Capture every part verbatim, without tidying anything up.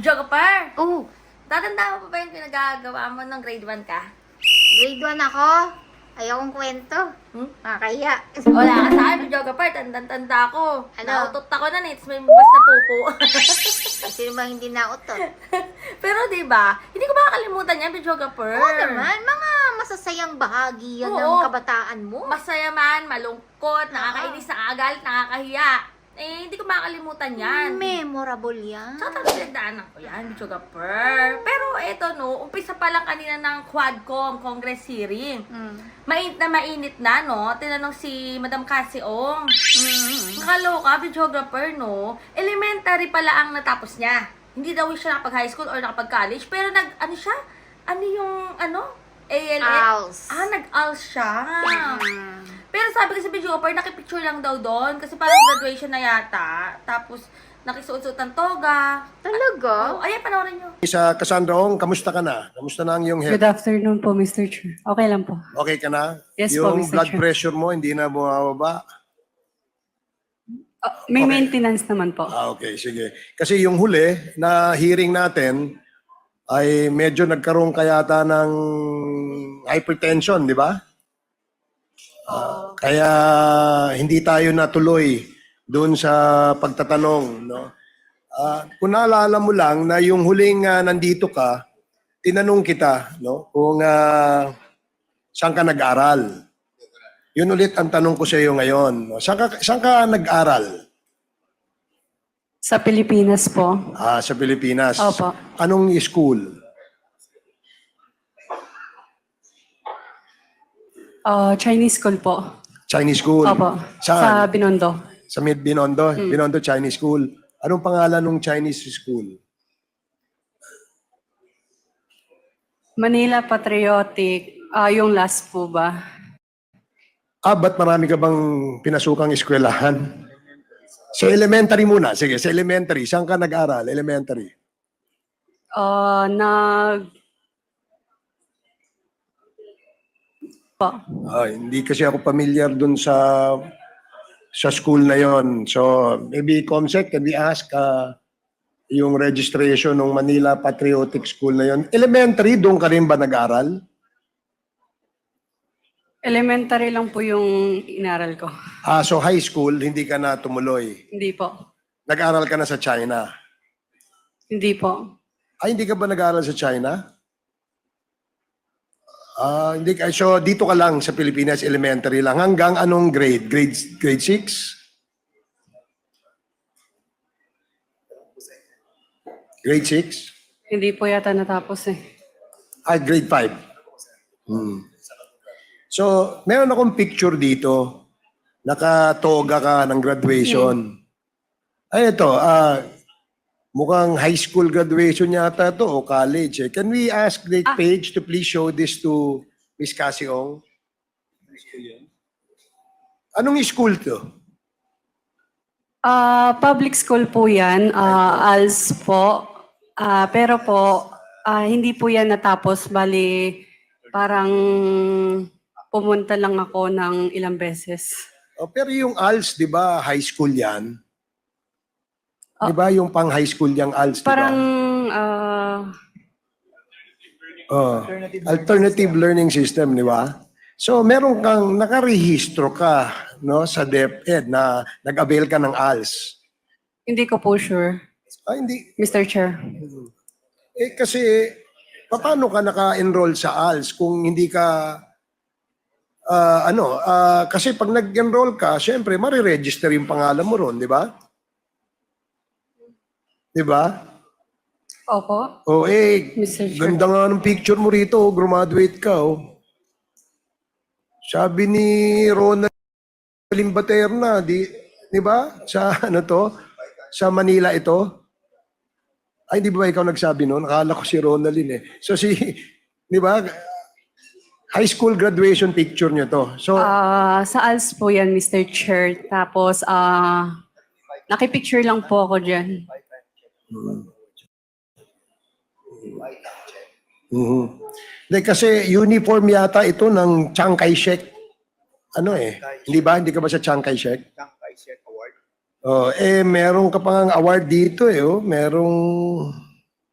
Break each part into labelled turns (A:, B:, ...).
A: Videographer,
B: Oh,
A: tatanda mo pa ba yung pinagagawa mo ng grade one ka?
B: grade one ako. Ayokong kwento.
A: Hmm?
B: Nakakahiya.
A: Wala ka sa akin, videographer, tandang-tanda ako.
B: Ano?
A: Nautot ako na nits, may basta pupo.
B: Sino ba hindi nautot?
A: Pero di ba, hindi ko makakalimutan yan, videographer.
B: Oo naman, mga masasayang bahagi yan ng
A: Oo.
B: kabataan mo.
A: Masaya man, malungkot, nakakainis, nakakagalit, nakakahiya. Eh, hindi ko makakalimutan yan.
B: Memorable yan.
A: Tsaka talagang pinagdaanan ko yan, videographer. Pero eto no, umpisa pa lang kanina ng Quadcom Congress hearing.
B: Mm.
A: Mainit na mainit na, no? Tinanong si Madam Cassie Ong.
B: Mm.
A: Nakaloka, videographer, no? Elementary pala ang natapos niya. Hindi daw siya nakapag-high school or nakapag-college. Pero nag, ano siya? Ano yung, ano? A L S?
B: Als.
A: Ah, nag-als siya.
B: Mm.
A: Pero sabi kasi videographer, nakipicture lang daw doon. Kasi parang graduation na yata. Tapos, nakisuot-suot ng toga.
B: Talaga?
A: Oh, ayan, panoorin nyo.
C: Sa Cassandra Ong, kamusta ka na? Kamusta na ang iyong health?
D: Good afternoon po, Mister Chair. Okay lang po.
C: Okay ka na?
D: Yes po,
C: yung
D: Mister
C: blood
D: Chair.
C: pressure mo hindi na bumababa?
D: Ah, may
C: Okay.
D: maintenance naman po.
C: Ah, okay, sige. Kasi yung huli na hearing natin ay medyo nagkaroon kayata ng hypertension, di ba? Ah, kaya hindi tayo natuloy doon sa pagtatanong, no? Ah, kung naalala mo lang na yung huling ah, nandito ka, tinanong kita, no, kung ah, saan ka nag-aral. Yun ulit ang tanong ko sa iyo ngayon. No? Saan ka, saan ka nag-aral?
D: Sa Pilipinas po.
C: Ah, sa Pilipinas.
D: Opo.
C: Anong school?
D: Ah, Chinese school po.
C: Chinese school.
D: Opo. Sa
C: Saan?
D: Binondo.
C: Sa Mid Binondo, Binondo Chinese School. Anong pangalan ng Chinese school?
D: Manila Patriotic. Ah, yung last po ba?
C: Ah, ba't marami ka bang pinasukang eskwelahan? Sa elementary muna. Sige, sa elementary. Saan ka nag-aral? Elementary.
D: Ah, nag... Po.
C: Ah, hindi kasi ako familiar dun sa sa school na yon. So, maybe Comsec, can we ask uh, yung registration ng Manila Patriotic School na yon? Elementary, doon ka rin ba nag-aral?
D: Elementary lang po yung inaral ko.
C: Ah, so high school, hindi ka na tumuloy.
D: Hindi po.
C: Nag-aral ka na sa China.
D: Hindi po.
C: Ay, hindi ka ba nag-aral sa China? Ah, hindi ka. So, dito ka lang sa Pilipinas, elementary lang. Hanggang anong grade? Grade, grade six? Grade six?
D: Hindi po yata natapos eh.
C: Ah, grade five. Hmm. So, meron akong picture dito. Nakatoga ka ng graduation. Ay, ito. Ah, mukhang high school graduation yata to o college. Eh. Can we ask the
D: Ah.
C: page to please show this to Miss Cassie Ong? Anong school to?
D: Ah, public school po yan. Ah, A L S po. Ah, pero po, ah, hindi po yan natapos. Bali, parang pumunta lang ako ng ilang beses.
C: Oh, pero yung A L S, di ba, high school yan? Di ba yung pang high school yung A L S, di ba?
D: Parang, ah,
C: Oh, alternative learning system, di ba? So, meron kang, nakarehistro ka no, sa DepEd na nag-avail ka ng A L S.
D: hindi ko po sure,
C: Ah, hindi.
D: Mister Chair.
C: Eh, kasi, paano ka naka-enroll sa A L S kung hindi ka, ah, ano, ah, kasi pag nag-enroll ka, syempre, mariregister yung pangalan mo ron, di ba? Di ba?
D: Opo,
C: O eh,
D: Mister Chair.
C: ganda nga ng picture mo rito, oh, graduate ka, oh. Sabi ni Ronald Limbaterna, di, di ba? Sa ano to? Sa Manila ito? Ay, di ba ikaw nagsabi noon? Akala ko si Ronaldin eh. So si, di ba? High school graduation picture niyo to. So,
D: Ah, sa A L S po yan, Mister Chair. Tapos, ah, nakipicture lang po ako dyan.
C: mhm. Hindi, kasi uniform yata ito ng Chiang Kai-shek. Ano eh? Hindi ba? Hindi ka ba sa Chiang Kai-shek?
E: Chiang Kai-shek Award.
C: Oh, eh, meron ka pang award dito eh. Oh. Merong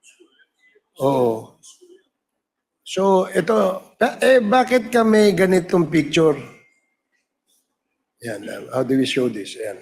C: So, ito, ba- eh, bakit ka may ganitong picture? Yan, um, how do we show this? Yan.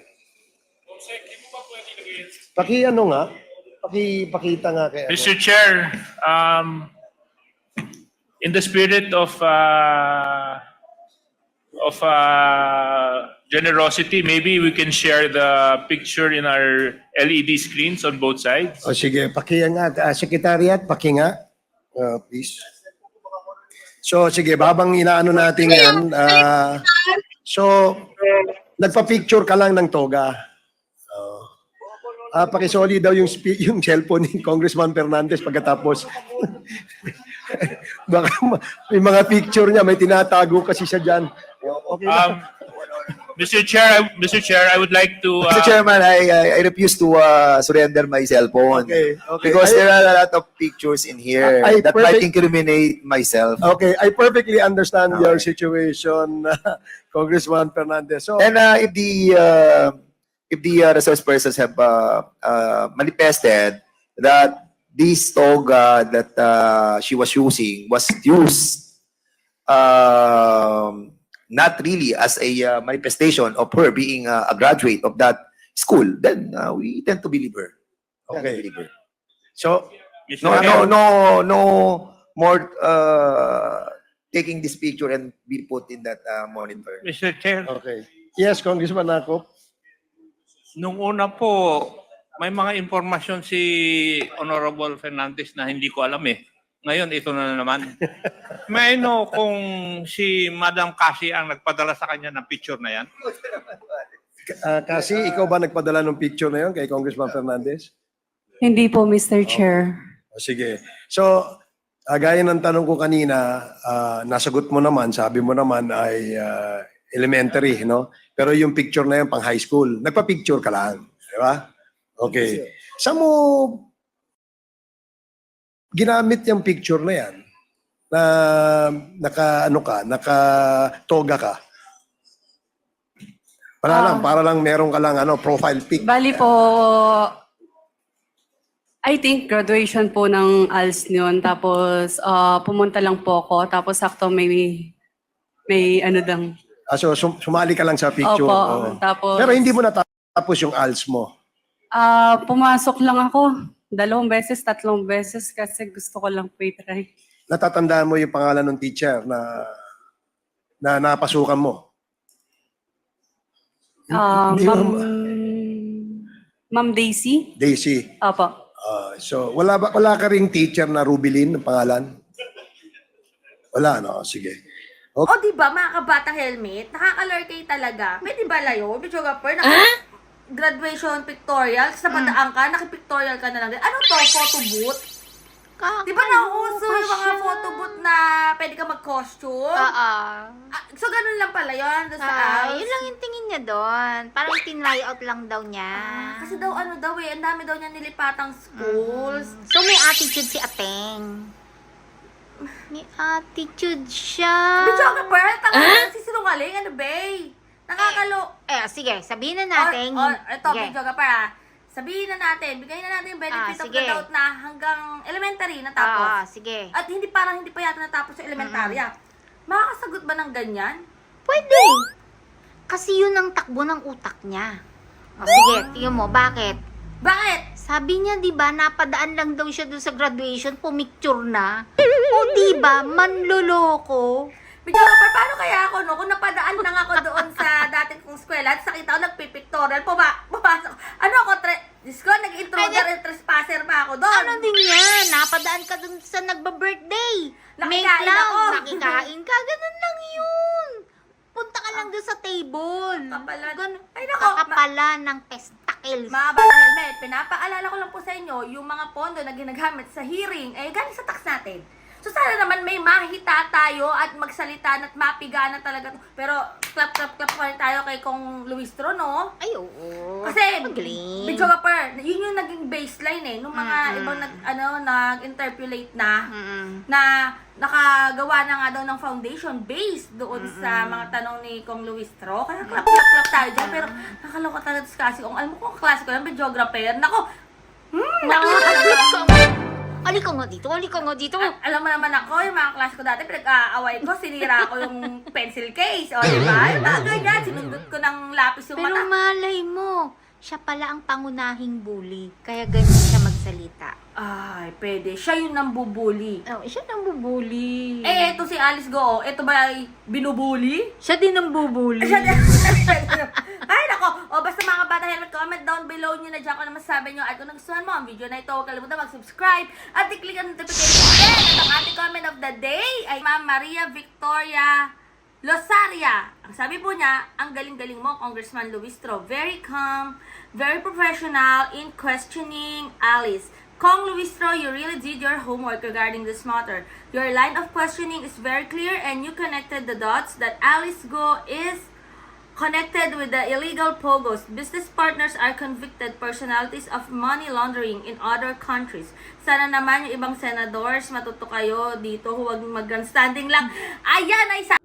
C: Paki ano nga? Paki, pakita nga kay ano.
E: Mister Chair, um, in the spirit of uh, of uh, generosity, maybe we can share the picture in our L E D screens on both sides.
C: O sige, paki nga. Uh, Secretariat, paki nga. Uh, please. So, sige, babang inaano natin yan. Uh, so, nagpa-picture ka lang ng toga. Oh. Ah, pakisoli daw yung spe- yung cellphone ni Congressman Fernandez pagkatapos. Baka ma- may mga picture niya, may tinatago kasi siya dyan. Okay na.
E: Um, Mister Chair, Mister Chair, I would like to.
F: Mister
E: Uh,
F: Chairman, I, I I refuse to uh, surrender my cell phone.
C: Okay, okay.
F: Because
C: I-
F: there are a lot of pictures in here
C: I- I
F: that might
C: perfect-
F: incriminate myself.
C: Okay, I perfectly understand
F: Okay.
C: your situation, Congressman Fernandez. So,
F: And uh, if the uh, if the uh, resource persons have uh, uh, manifested that this toga that uh, she was using was used um, not really as a uh, manifestation of her being uh, a graduate of that school, then uh, we tend to believe her. Tend to
C: Okay.
F: believe her.
C: so
E: Mister
F: No, no,
E: Chair,
F: no, no more uh, taking this picture and be put in that uh, monitor.
E: Mister Chair,
C: okay. Yes, Congressman Nakop.
G: Nung una po, may mga impormasyon si Honorable Fernandez na hindi ko alam eh. Ngayon, ito na naman. May I know kung si Madam Cassie ang nagpadala sa kanya ng picture na yan?
C: Ah, kasi ikaw ba nagpadala ng picture na yon kay Congressman Fernandez?
D: Hindi po, Mister Chair.
C: O, sige. So, ah, gaya ng tanong ko kanina, ah, nasagot mo naman, sabi mo naman ay ah, elementary, no? Pero yung picture na yan pang high school, nagpa-picture ka lang, di ba? Okay. Saan mo ginamit yung picture na yan? Na naka ano ka, naka toga ka? Para lang, para lang meron ka lang ano, profile pic.
D: Bali po, I think graduation po ng A L S yun. Tapos ah, pumunta lang po ako. Tapos sakto may, may ano dang.
C: Ah, so sum- sumali ka lang sa picture.
D: Opo.
C: Oo.
D: Tapos,
C: Pero hindi mo natapos yung A L S mo.
D: ah, pumasok lang ako. Dalawang beses, tatlong beses kasi gusto ko lang po i-try.
C: Natatandaan mo yung pangalan ng teacher na na napasukan mo.
D: Ah,
C: Hindi
D: Ma'am,
C: mo-
D: Ma'am Daisy?
C: Daisy.
D: Opo.
C: Ah, so wala ba wala ka ring teacher na Rubilin ng pangalan? Wala no, sige.
A: O, di ba, mga kabatang helmet, nakakalurkay talaga. Pwede ba layo? Medyo gapper, naka- graduation pictorial, sa padaan ka, nakipictorial ka na lang din. Ano to, photo booth? Di ba nauuso yung mga photo booth na pwede ka mag-costume?
B: Oo.
A: Ah, so, ganun lang pala yun, doon sa
B: Ah,
A: house?
B: yun lang yung tingin niya doon. Parang tinry out lang daw niya.
A: Ah, kasi daw, ano daw eh, ang dami daw niya nilipatang schools.
B: So may attitude si Ateng. May attitude siya.
A: Medyo gapper, talaga, sisinungaling, ano ba Nakakalo.
B: Eh, sige, sabihin na natin.
A: O, o, ito,
B: Sige.
A: video ka para. Sabihin na natin, bigay na natin yung benefit
B: Ah,
A: of
B: sige.
A: the doubt na hanggang elementary natapos.
B: Ah, sige.
A: At hindi parang hindi pa yata natapos sa elementarya. Makakasagot ba ng ganyan?
B: Pwede. Kasi yun ang takbo ng utak niya. O, sige, tingnan mo, bakit?
A: Bakit?
B: Sabi niya, di ba, napadaan lang daw siya doon sa graduation, pumicture na. O, di ba, manloloko.
A: Video ka pa, paano kaya ako no? Kung napadaan lang ako doon sa dating kong eskwela at nakita ko nagpipictorial, puma, pumasok. Ano ako, tre- Diyos ko, nag-intruder and trespasser pa ako doon.
B: Ano din yan? Napadaan ka dun sa nagba-birthday. Make
A: Nakikain
B: lang,
A: ako.
B: nakikain ka. Ganun lang yun. Punta ka lang dun sa table.
A: Kapalan.
B: Ganun.
A: Ay, nako, ma-
B: Kakapala ng testicles.
A: Mga bata helmet, pinapaalala ko lang po sa inyo, yung mga pondo na ginagamit sa hearing, ay galing sa tax natin. So sana naman may mahita tayo at magsalita at mapiga na talaga. Pero clap, clap, clap pa rin tayo kay Kong Luis Trono.
B: Ay, oo.
A: Kasi,
B: Magaling.
A: video ka per, yun yung naging baseline eh, nung mga
B: Mm-mm.
A: ibang nag, ano, nag-interpolate na,
B: Mm-mm.
A: na nakagawa na nga daw ng foundation based doon sa mga tanong ni Kong Luis Tro. Kaya clap, clap, clap tayo dyan. Pero nakaloka talaga kasi kung alam mo kung klase ko yung videographer, nako, hmm, nakakaloka.
B: halika nga dito, halika nga dito.
A: Al- alam mo naman ako, yung mga klase ko dati, pinag-aaway ko, sinira ko yung pencil case. O, di ba? Yung mga ganyan, sinundot ko ng lapis yung
B: Pero
A: mata.
B: malay mo, siya pala ang pangunahing bully. Kaya ganyan siya magsalita.
A: Ay, pwede. Siya yung nambubuli.
B: Oh, siya nang bubuli.
A: Eh, eto si Alice Go, eto ba ay binubuli?
B: Siya din ang bubuli.
A: Siya Ay, nako. O, basta mga kabata helmet, comment down below nyo na dyan kung ano masasabi nyo. At kung nagustuhan mo ang video na ito, huwag kalimutan mag-subscribe at i-click ang notification bell. At ang ating comment of the day ay Ma'am Maria Victoria Losaria. Ang sabi po niya, ang galing-galing mo, Congressman Luistro. Very calm, very professional in questioning Alice. Kong Luistro, you really did your homework regarding this matter. Your line of questioning is very clear and you connected the dots that Alice Go is connected with the illegal pogos. Business partners are convicted personalities of money laundering in other countries. Sana naman yung ibang senadors, matuto kayo dito, huwag mag-grandstanding lang. Ayan ay sa...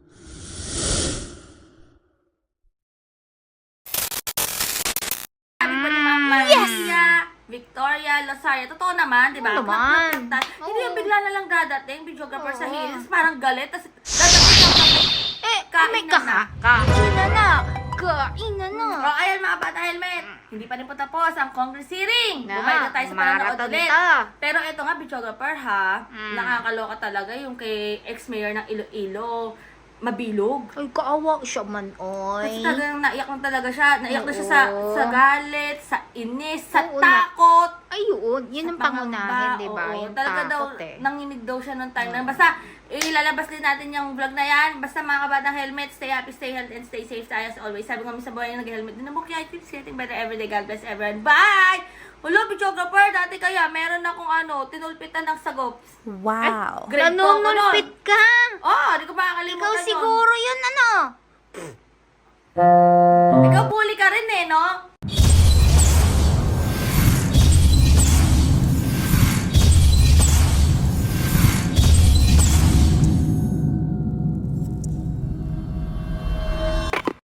A: Sabi po ni Ma'am Maria Victoria Losaria. Totoo naman, di ba?
B: Oo naman.
A: Plak-plak-plak. Hindi
B: Oo.
A: yung bigla na lang dadating, videographer sa
B: Oo.
A: hills, parang galit, tapos dadating lang kami.
B: Eh,
A: Kain
B: may
A: na
B: ka
A: na.
B: Kainan na. Kainan na.
A: O, ayan mga bata helmet. Hindi pa rin po tapos ang Congress hearing.
B: Na,
A: Bumalik na tayo sa panonood
B: marathon
A: ulit.
B: ta.
A: Pero ito nga, videographer ha,
B: Mm.
A: nakakaloka talaga yung kay ex-mayor ng Iloilo, Mabilog.
B: Ay, kaawa siya man, oy.
A: Kasi talagang naiyak lang talaga siya. Naiyak na siya sa,
B: Oo.
A: sa galit, sa inis, sa
B: Oo na.
A: takot.
B: Ay, yun. Yun ang pangunahin, di ba?
A: Oo,
B: Yung
A: talaga daw,
B: takot eh.
A: nanginig daw siya nung time na. Basta, ilalabas din natin yung vlog na yan. Basta mga kabatang helmet, stay happy, stay healthy, and stay safe tayo as always. Sabi ko kami sa buhay yung nag-helmet. Din mo kaya, keeps getting better every day. God bless everyone. Bye! Hello, videographer. Dati kaya, meron akong ano, tinulpitan ng sagop.
H: Wow.
A: Grade four ko nun.
B: Nanunulpit ka.
A: Oh, di ko makakalimutan
B: Ikaw
A: yun.
B: siguro yun, ano?
A: Ikaw bully ka rin eh, no?